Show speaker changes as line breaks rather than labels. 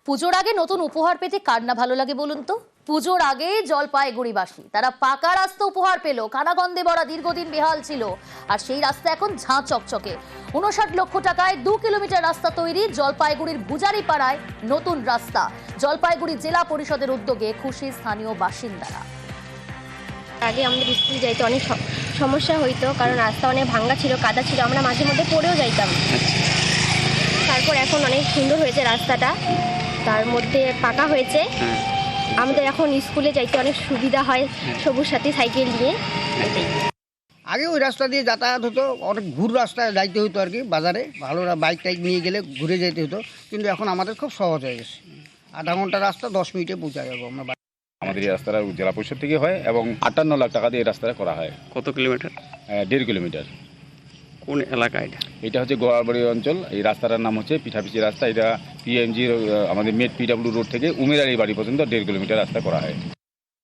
পুজোর আগে নতুন উপহার পেতে কার না ভালো লাগে বলুন তো। পুজোর আগে জলপাইগুড়িবাসী তারা পাকা রাস্তা উপহার পেল। কানাগন্ধে ভরা দীর্ঘদিন বেহাল ছিল, আর সেই রাস্তা এখন ঝাঁ চকচকে। 59 লক্ষ টাকায় 2 কিলোমিটার রাস্তা তৈরি। জলপাইগুড়ির ভুজারিপাড়ায় নতুন রাস্তা। জলপাইগুড়ি জেলা পরিষদের উদ্যোগে খুশি স্থানীয় বাসিন্দারা।
আগে আমাদের স্কুল যাইতে অনেক সমস্যা হইতো, কারণ রাস্তা অনেক ভাঙা ছিল, কাদা ছিল, আমরা মাঝে মধ্যে পড়েও যাইতাম। তারপর এখন অনেক সুন্দর হয়েছে রাস্তাটা, তার মধ্যে পাকা হয়েছে। আমাদের এখন স্কুলে যাইতে অনেক সুবিধা হয় সবুজ সাথী সাইকেল নিয়ে।
আগে ওই রাস্তা দিয়ে যাতায়াত হতো, অনেক ঘুর রাস্তায় যাইতে হতো আর কি, বাজারে ভালো বাইক টাইক নিয়ে গেলে ঘুরে যেতে হতো। কিন্তু এখন আমাদের খুব সহজ হয়ে গেছে, আধা ঘন্টা রাস্তা 10 মিনিটে পৌঁছা যাবো আমরা।
আমাদের এই রাস্তাটা জেলা পরিষদ থেকে হয় এবং 58 লাখ টাকা দিয়ে এই রাস্তাটা করা হয়।
কত কিলোমিটার?
1.5 কিলোমিটার।
কোন এলাকা এটা?
এটা হচ্ছে গোয়ালবাড়ি অঞ্চল। এই রাস্তাটার নাম হচ্ছে পিঠাপিচি রাস্তা। এটা পিএমজি আমাদের মেট পিডব্লিউ রোড থেকে উমেরারি বাড়ি পর্যন্ত 1.5 কিলোমিটার রাস্তা করা হয়।